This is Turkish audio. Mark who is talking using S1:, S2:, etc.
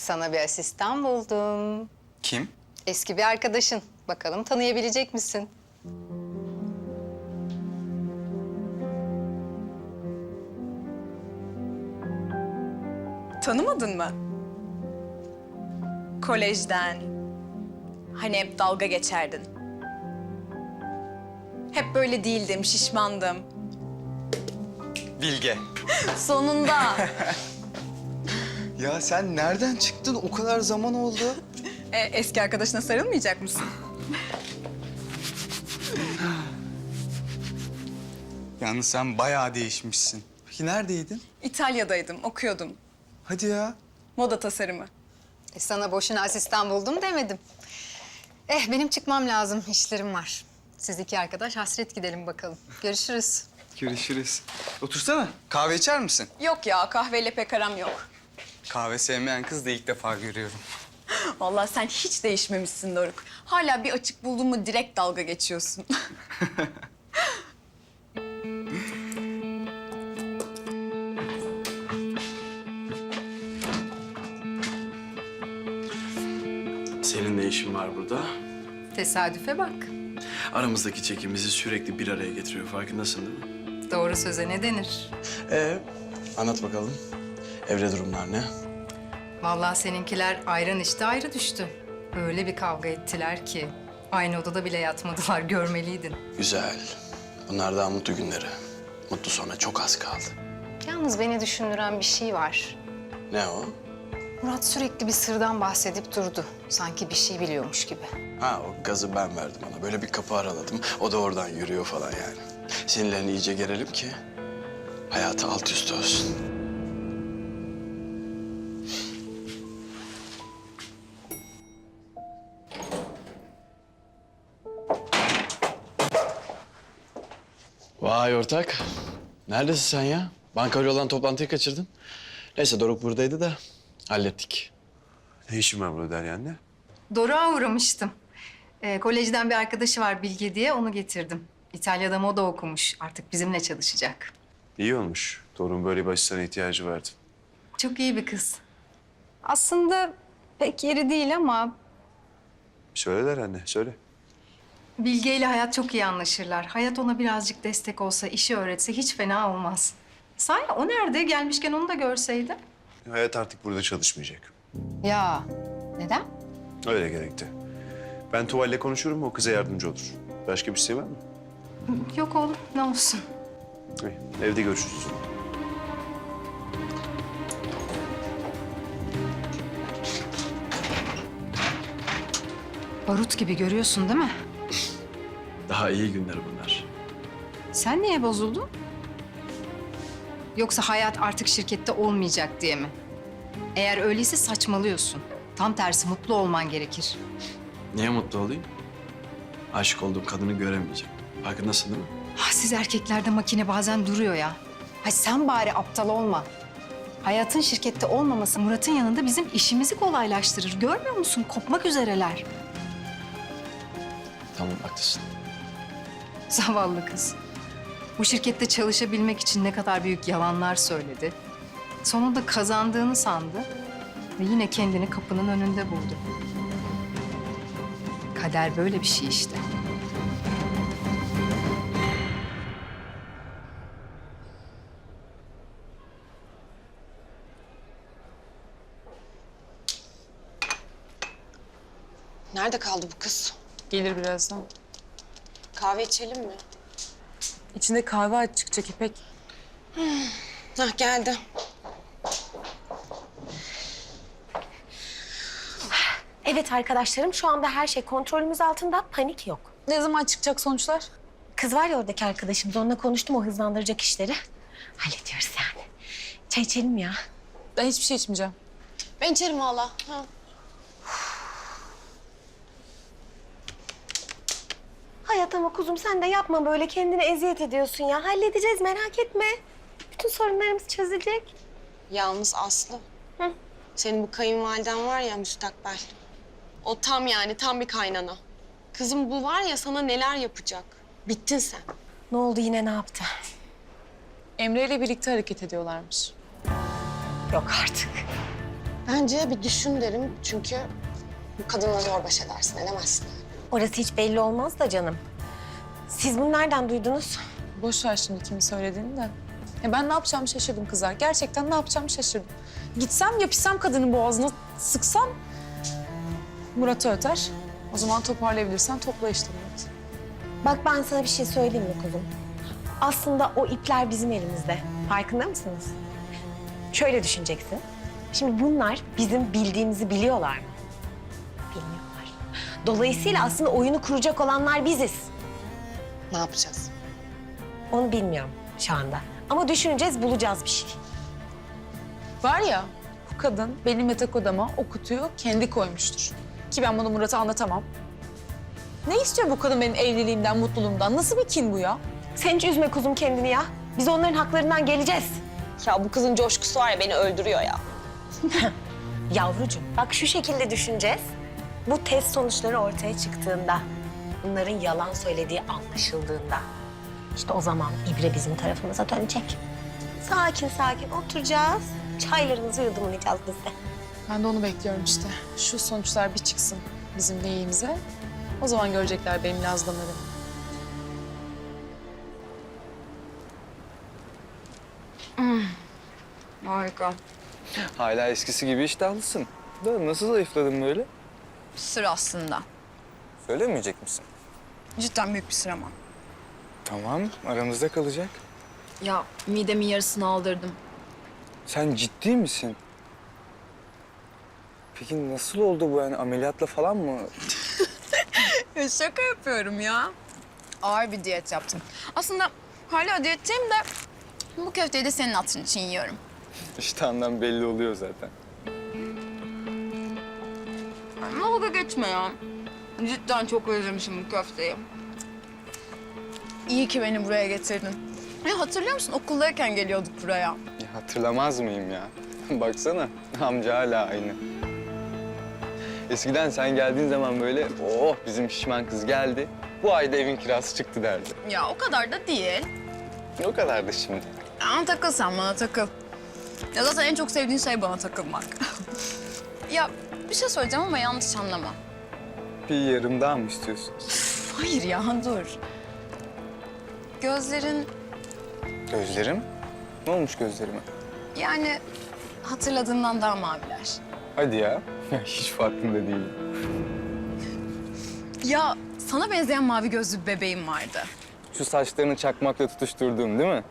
S1: Sana bir asistan buldum.
S2: Kim?
S1: Eski bir arkadaşın. Bakalım tanıyabilecek misin?
S3: Tanımadın mı? Kolejden. Hani hep dalga geçerdin. Hep böyle değildim, şişmandım.
S2: Bilge.
S3: Sonunda.
S2: Ya sen nereden çıktın? O kadar zaman oldu.
S3: Eski arkadaşına sarılmayacak mısın?
S2: Yalnız sen bayağı değişmişsin. Peki neredeydin?
S3: İtalya'daydım, okuyordum.
S2: Hadi ya.
S3: Moda tasarımı.
S1: Sana boşuna asistan buldum demedim. Benim çıkmam lazım. İşlerim var. Siz iki arkadaş hasret gidelim bakalım. Görüşürüz.
S2: Görüşürüz. Otursana. Kahve içer misin?
S3: Yok ya, kahveyle pek aram yok.
S2: Kahve sevmeyen kız da ilk defa görüyorum.
S3: Vallahi sen hiç değişmemişsin Doruk. Hala bir açık buldun mu direkt dalga geçiyorsun.
S4: Senin ne işin var burada?
S1: Tesadüfe bak.
S4: Aramızdaki çekim bizi sürekli bir araya getiriyor. Farkındasın değil mi?
S1: Doğru söze ne denir?
S4: Anlat bakalım. Evde durumlar ne?
S1: Vallahi seninkiler ayran içti ayrı düştü. Öyle bir kavga ettiler ki. Aynı odada bile yatmadılar, görmeliydin.
S4: Güzel. Bunlar daha mutlu günleri. Mutlu sona çok az kaldı.
S1: Yalnız beni düşündüren bir şey var.
S4: Ne o?
S1: Murat sürekli bir sırdan bahsedip durdu. Sanki bir şey biliyormuş gibi.
S4: Ha, o gazı ben verdim ona. Böyle bir kapı araladım. O da oradan yürüyor falan yani. Sinirlerini iyice gerelim ki hayatı alt üst olsun. Vay ortak. Neredesin sen ya? Bankayla olan toplantıyı kaçırdın. Neyse Doruk buradaydı da hallettik.
S5: Ne işin var burada Derya anne?
S1: Doruk'a uğramıştım. Kolejden bir arkadaşı var Bilge diye, onu getirdim. İtalya'da moda okumuş. Artık bizimle çalışacak.
S5: İyi olmuş. Torun böyle bir asistana ihtiyacı vardı.
S1: Çok iyi bir kız. Aslında pek yeri değil ama
S5: Söyle Derya anne, söyle.
S1: Bilge ile Hayat çok iyi anlaşırlar. Hayat ona birazcık destek olsa, işi öğretse hiç fena olmaz. Sahi o nerede? Gelmişken onu da görseydim.
S5: Hayat artık burada çalışmayacak.
S1: Ya neden?
S5: Öyle gerekti. Ben Tuval'le konuşurum, o kıza yardımcı olur. Başka bir şey var mı?
S1: Yok oğlum, ne olsun.
S5: İyi, evde görüşürüz.
S1: Barut gibi görüyorsun değil mi?
S4: Daha iyi günler bunlar.
S1: Sen niye bozuldun? Yoksa Hayat artık şirkette olmayacak diye mi? Eğer öyleyse saçmalıyorsun. Tam tersi mutlu olman gerekir.
S4: Niye mutlu olayım? Aşık olduğum kadını göremeyeceğim. Farkındasın değil mi?
S1: Siz erkeklerde makine bazen duruyor ya. Sen bari aptal olma. Hayatın şirkette olmaması Murat'ın yanında bizim işimizi kolaylaştırır. Görmüyor musun? Kopmak üzereler.
S4: Tamam haklısın.
S1: Zavallı kız. Bu şirkette çalışabilmek için ne kadar büyük yalanlar söyledi. Sonunda kazandığını sandı ve yine kendini kapının önünde buldu. Kader böyle bir şey işte.
S6: Nerede kaldı bu kız?
S7: Gelir birazdan.
S6: Kahve içelim mi?
S7: İçinde kahve aç çıkacak İpek.
S6: Hah geldi.
S8: Evet arkadaşlarım, şu anda her şey kontrolümüz altında, panik yok.
S7: Ne zaman çıkacak sonuçlar?
S8: Kız var ya oradaki arkadaşımız, onunla konuştum, o hızlandıracak işleri. Hallediyoruz yani. Çay içelim ya.
S7: Ben hiçbir şey içmeyeceğim.
S6: Ben içerim valla. Ha.
S8: Hayat ama kuzum sen de yapma böyle, kendine eziyet ediyorsun ya. Halledeceğiz, merak etme. Bütün sorunlarımız çözülecek.
S6: Yalnız Aslı.
S8: Hı?
S6: Senin bu kayınvaliden var ya müstakbel. O tam yani tam bir kaynana. Kızım bu var ya sana neler yapacak. Bittin sen.
S8: Ne oldu yine, ne yaptı?
S7: Emre ile birlikte hareket ediyorlarmış.
S8: Yok artık.
S6: Bence bir düşün derim çünkü bu kadınla zor baş edersin, edemezsin.
S8: Orası hiç belli olmaz da canım. Siz bunu nereden duydunuz?
S7: Boş ver şimdi kimin söylediğini de. Ya ben ne yapacağımı şaşırdım kızlar. Gerçekten ne yapacağımı şaşırdım. Gitsem yapışsam kadının boğazına sıksam Murat'ı öter. O zaman toparlayabilirsen topla işte Murat.
S8: Bak ben sana bir şey söyleyeyim mi kuzum? Aslında o ipler bizim elimizde. Farkında mısınız? Şöyle düşüneceksin. Şimdi bunlar bizim bildiğimizi biliyorlar mı? Bilmiyorlar. Dolayısıyla aslında oyunu kuracak olanlar biziz.
S6: Ne yapacağız?
S8: Onu bilmiyorum şu anda. Ama düşüneceğiz, bulacağız bir şey.
S7: Var ya bu kadın benim yatak odama o kutuyu kendi koymuştur. Ki ben bunu Murat'a anlatamam. Ne istiyor bu kadın benim evliliğimden, mutluluğumdan? Nasıl bir kin bu ya?
S8: Sen hiç üzme kuzum kendini ya. Biz onların haklarından geleceğiz.
S6: Ya bu kızın coşkusu var ya beni öldürüyor ya.
S8: Yavrucuğum bak şu şekilde düşüneceğiz. Bu test sonuçları ortaya çıktığında, bunların yalan söylediği anlaşıldığında, işte o zaman ibre bizim tarafımıza dönecek. Sakin sakin oturacağız. Çaylarımızı yudumlayacağız biz de.
S7: Ben de onu bekliyorum işte. Şu sonuçlar bir çıksın bizim lehimize. O zaman görecekler benim lazlamalarımı.
S3: Harika.
S2: Hala eskisi gibi iştahlısın. Da nasıl zayıfladın böyle?
S3: Sır aslında.
S2: Söylemeyecek misin?
S3: Cidden büyük bir sır ama.
S2: Tamam, aramızda kalacak.
S3: Ya midemin yarısını aldırdım.
S2: Sen ciddi misin? Peki nasıl oldu bu yani? Ameliyatla falan mı?
S3: Ya şaka yapıyorum ya. Ağır bir diyet yaptım. Aslında hala diyetteyim de bu köfteyi de senin hatırın için yiyorum.
S2: İştahından belli oluyor zaten.
S3: Dalga geçme ya. Cidden çok özlemişim bu köfteyi. İyi ki beni buraya getirdin. Ya hatırlıyor musun? Okuldayken geliyorduk buraya.
S2: Ya hatırlamaz mıyım ya? Baksana, amca hala aynı. Eskiden sen geldiğin zaman böyle, oh bizim şişman kız geldi. Bu ayda evin kirası çıktı derdi.
S3: Ya o kadar da değil.
S2: O kadardı şimdi.
S3: Ama takıl sen bana takıl. Ya zaten en çok sevdiğin şey bana takılmak. Ya bir şey söyleyeceğim ama yanlış anlama.
S2: Bir yarım daha mı istiyorsun?
S3: Hayır ya dur. Gözlerin
S2: Gözlerim? Ne olmuş gözlerime?
S3: yani hatırladığından daha maviler.
S2: Hadi ya. Ya hiç farkında değilim.
S3: Ya sana benzeyen mavi gözlü bir bebeğim vardı.
S2: Şu saçlarını çakmakla tutuşturduğum değil mi?